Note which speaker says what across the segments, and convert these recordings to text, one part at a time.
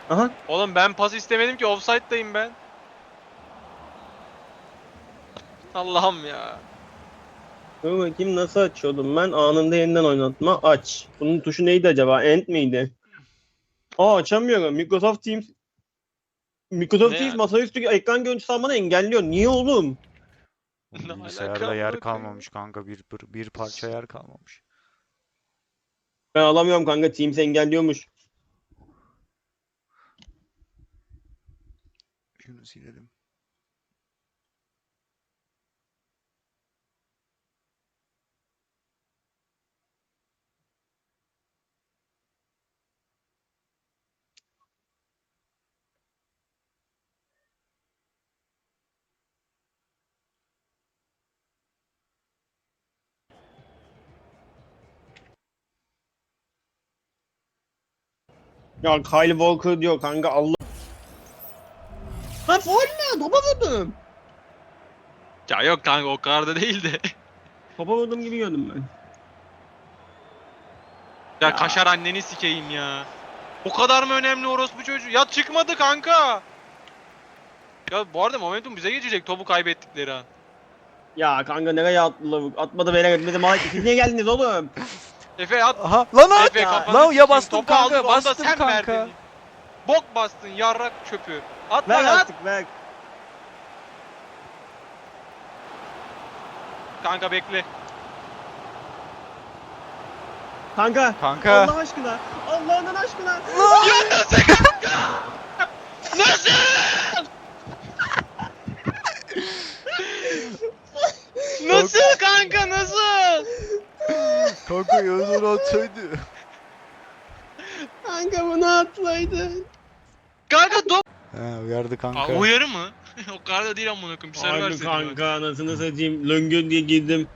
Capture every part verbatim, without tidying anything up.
Speaker 1: Aha.
Speaker 2: Oğlum ben pas istemedim ki, offside'dayım ben. Allah'ım ya.
Speaker 1: Dur bakayım nasıl açıyordum ben? Anında yeniden oynatma aç. Bunun tuşu neydi acaba? End miydi? Aa açamıyorum. Microsoft Teams Microsoft
Speaker 2: Ne
Speaker 1: Teams
Speaker 2: ya?
Speaker 1: masaüstü ekran görüntüsü almanı engelliyor. Niye oğlum?
Speaker 2: Ne
Speaker 3: Oğlum
Speaker 2: alaka
Speaker 3: bilgisayarda yer
Speaker 2: amına koyayım?
Speaker 3: kalmamış kanka. Bir, bir, bir parça yer kalmamış.
Speaker 1: Ben alamıyorum kanka. Teams engelliyormuş.
Speaker 3: Şunu silelim.
Speaker 1: Ya Kyle Walker diyor kanka Allah. Lan faul ne? Topa vurdum.
Speaker 2: Ya yok kanka, o kadar da değil de.
Speaker 1: Topa vurdum gibi gördüm ben.
Speaker 2: Ya,
Speaker 1: Ya.
Speaker 2: kaşar anneni sikeyim ya. O kadar mı önemli orospu çocuğu? Ya çıkmadı kanka. Ya bu arada momentum bize geçecek, topu kaybettikleri an.
Speaker 1: Ya kanka nereye attılar? Atmadı beyler etmedi. Mal siz niye geldiniz oğlum?
Speaker 2: Efe at.
Speaker 3: Aha lan at!
Speaker 2: Efe
Speaker 1: ya.
Speaker 2: kafanı
Speaker 3: Lan ya
Speaker 2: sikeyim.
Speaker 3: bastım
Speaker 2: Topu
Speaker 3: kanka,
Speaker 2: aldık, onu da
Speaker 3: bastım
Speaker 2: sen
Speaker 3: kanka.
Speaker 2: verdin. Bok bastın yarrak çöpü. At
Speaker 1: Ver
Speaker 2: lan at.
Speaker 1: artık ver.
Speaker 2: Kanka bekle.
Speaker 1: Kanka.
Speaker 3: Kanka.
Speaker 1: Allah aşkına. Allah'ın aşkına.
Speaker 2: Nasıl? Nasıl kanka, nasıl?
Speaker 3: Kanka Yağız onu atsaydı.
Speaker 1: Kanka bunu atsaydın.
Speaker 2: Kanka top.
Speaker 3: He uyardı kanka.
Speaker 2: Aa, uyarı mı? O kadar da değil amına koyayım. Bir sarı
Speaker 1: Harbi
Speaker 2: verseydin bak.
Speaker 1: kanka anasını satayım. Löngör diye girdim.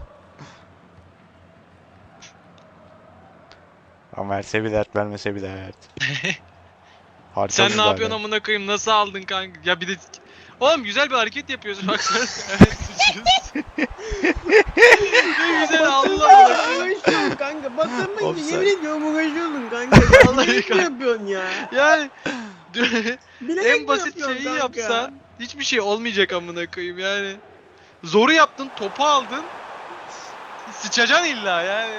Speaker 3: Ama verse bir dert, vermese bir dert. Harika
Speaker 2: Sen ne
Speaker 3: müdahale.
Speaker 2: yapıyorsun amına koyayım? Nasıl aldın kanka? Ya bir de oğlum güzel bir hareket yapıyorsun bak sen. Evet, sıçıyorsun. Ne güzel Allah Allah.
Speaker 1: Uğraşıyorum kanka. Batırmayınca
Speaker 3: Offside.
Speaker 1: yemin ediyorum uğraşıyordun kanka. Ya,
Speaker 2: Vallahi
Speaker 1: bilerek mi
Speaker 2: kanka.
Speaker 1: yapıyorsun ya?
Speaker 2: Yani
Speaker 1: Bilerek
Speaker 2: en
Speaker 1: mi
Speaker 2: basit
Speaker 1: yapıyorsun
Speaker 2: şeyi
Speaker 1: kanka?
Speaker 2: yapsan hiçbir şey olmayacak amına koyayım yani. Zoru yaptın, topu aldın. Sıçacaksın illa yani.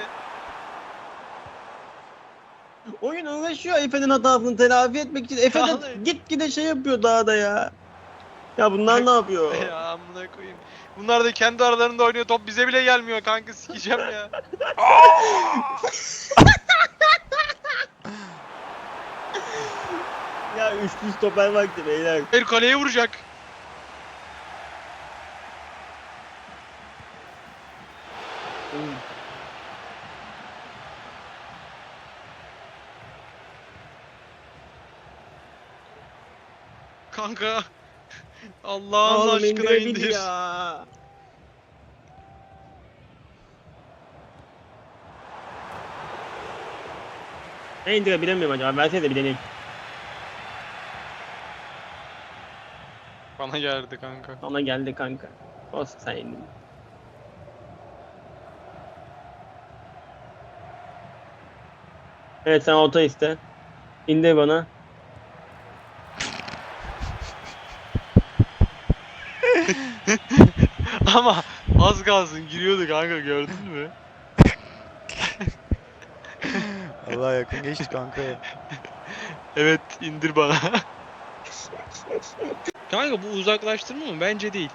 Speaker 1: Oyun uğraşıyor Efe'nin hatasını telafi etmek için. Efe de
Speaker 2: Vallahi.
Speaker 1: gitgide şey yapıyor daha da ya. Ya bunlar ne yapıyor?
Speaker 2: Ya amına koyayım. Bunlar da kendi aralarında oynuyor, top bize bile gelmiyor kanka, sikeceğim ya.
Speaker 1: Ya üçlü stoper vakti beyler.
Speaker 2: Bir kaleye vuracak. Kanka. Allah'ın
Speaker 1: Oğlum
Speaker 2: aşkına
Speaker 1: indirebil
Speaker 2: indir.
Speaker 1: ya. Ne indirebilemiyorum acaba? Versene de bir deneyim.
Speaker 2: Bana geldi kanka.
Speaker 1: Ona geldi kanka. Olsun sen indin. Evet sen orta iste. İndir bana.
Speaker 2: Ama az kalsın giriyordu kanka, gördün mü?
Speaker 3: Allah yakın geçti kanka.
Speaker 2: Evet, indir bana. Kanka bu uzaklaştırma mı? Bence değil.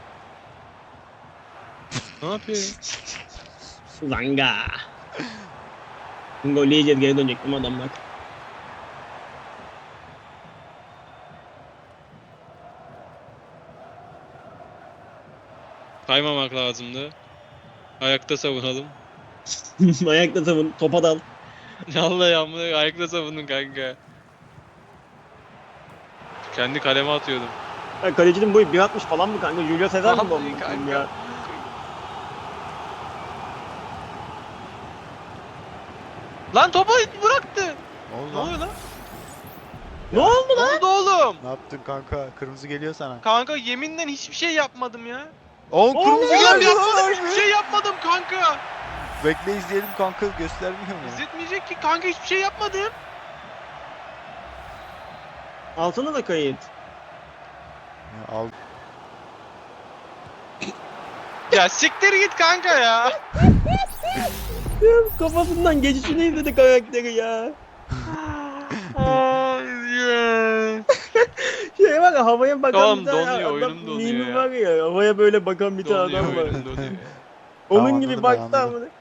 Speaker 2: Ne yapıyor ya?
Speaker 1: Zanga. Gol yiyeceğiz geri dönecektim adam bak.
Speaker 2: Kaymamak lazımdı. Ayakta savunalım.
Speaker 1: Ayakta savun. Topa dal.
Speaker 2: Vallahi amına ayakta savundun kanka. Kendi kaleme atıyordum.
Speaker 1: Ya kalecinin boyu bir altmış falan mı kanka? Julio Cesar mı bu
Speaker 2: Vallahi
Speaker 1: amına koyayım
Speaker 2: kanka.
Speaker 1: ya?
Speaker 2: Lan topu bıraktı.
Speaker 3: Ne oldu
Speaker 2: Ne
Speaker 3: lan?
Speaker 2: oluyor lan?
Speaker 1: Ne oldu
Speaker 2: Ne
Speaker 1: lan?
Speaker 2: oldu oğlum?
Speaker 3: Ne yaptın kanka? Kırmızı geliyor sana.
Speaker 2: Kanka yeminle hiçbir şey yapmadım ya.
Speaker 3: Oğlum kırmızı
Speaker 1: Oğlum,
Speaker 2: Oğlum
Speaker 3: geldi
Speaker 2: yapmadım,
Speaker 3: lan.
Speaker 2: hiçbir şey yapmadım kanka.
Speaker 3: Bekle izleyelim kanka, göstermiyor mu?
Speaker 2: İzletmeyecek ki kanka, hiçbir şey yapmadım.
Speaker 1: Alsana da kayıt.
Speaker 3: Ya al.
Speaker 2: Ya siktir git kanka ya.
Speaker 1: Ya, kafasından geçişini izledi karakteri ya.
Speaker 2: Ay ya.
Speaker 1: Şey var ya, havaya bakan
Speaker 2: Oğlum,
Speaker 1: bir tane
Speaker 2: donuyor,
Speaker 1: adam
Speaker 2: oyunum donuyor
Speaker 1: mimi
Speaker 2: ya.
Speaker 1: var ya, havaya böyle bakan bir tane
Speaker 2: Donuyor
Speaker 1: adam var.
Speaker 2: oyunum donuyor.
Speaker 1: Onun
Speaker 3: Tamam,
Speaker 1: gibi
Speaker 3: anladım ben,
Speaker 1: baktı
Speaker 3: anladım.
Speaker 1: amına.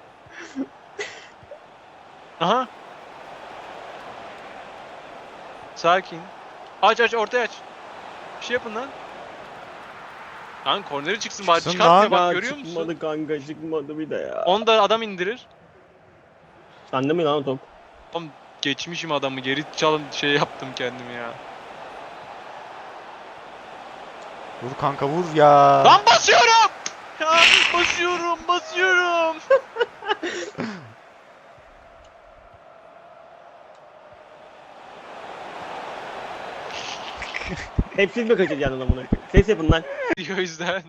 Speaker 2: Aha. Sakin. Aç aç ortaya aç. Bir şey yapın lan. Lan korneri çıksın bari,
Speaker 3: Çıksın
Speaker 2: çıkartmıyor
Speaker 3: lan.
Speaker 2: bak,
Speaker 1: Ya
Speaker 2: görüyor musun?
Speaker 1: çıkmadı kanka, çıkmadı bir de ya.
Speaker 2: Onu da adam indirir.
Speaker 1: Sende mi lan o top?
Speaker 2: Oğlum geçmişim adamı, geri çalın şey yaptım kendimi ya.
Speaker 3: Vur kanka vur ya.
Speaker 2: Lan basıyorum! Ya basıyorum basıyorum.
Speaker 1: Hep siz mi kaçıracaksınız amına? Ses yapın lan.
Speaker 2: O yüzden.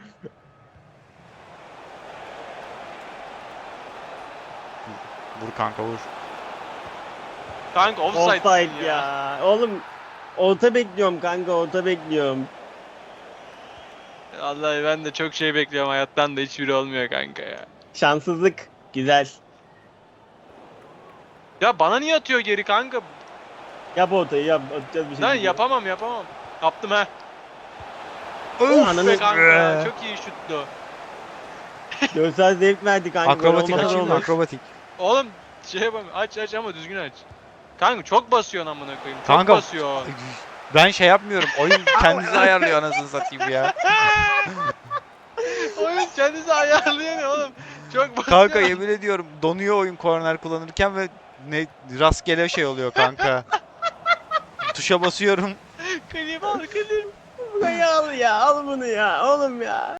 Speaker 3: Vur kanka vur.
Speaker 2: Kanka offside,
Speaker 1: Offside ya. Oğlum orta bekliyorum kanka, orta bekliyorum.
Speaker 2: Vallahi ben de çok şey bekliyorum hayattan da hiçbiri olmuyor kanka ya.
Speaker 1: Şanssızlık. Güzel.
Speaker 2: Ya bana niye atıyor geri kanka?
Speaker 1: Yap ortayı, yap. Atacağız bir şey.
Speaker 2: Lan yapamam yapamam. Yaptım ha.
Speaker 1: Öf
Speaker 2: Be
Speaker 1: ananı.
Speaker 2: kanka
Speaker 3: be.
Speaker 2: çok iyi şuttu.
Speaker 1: Görsel zevk verdi kanka.
Speaker 3: Akrobatik
Speaker 1: Gol olmasa da
Speaker 3: açayım mı?
Speaker 1: olur.
Speaker 3: Akrobatik.
Speaker 2: Oğlum şey yapamam, aç aç ama düzgün aç. Kanka çok basıyorsun amına koyayım. Çok
Speaker 3: Kanka.
Speaker 2: basıyor.
Speaker 3: Ben şey yapmıyorum. Oyun kendisi ayarlıyor anasını satayım ya.
Speaker 2: Oyun kendisi ayarlıyor ne oğlum? Çok basıyor.
Speaker 3: Kanka yemin ediyorum donuyor oyun korner kullanırken ve ne rastgele şey oluyor kanka. Tuşa basıyorum.
Speaker 2: Klima al klima.
Speaker 1: Burayı al ya, al bunu ya oğlum ya.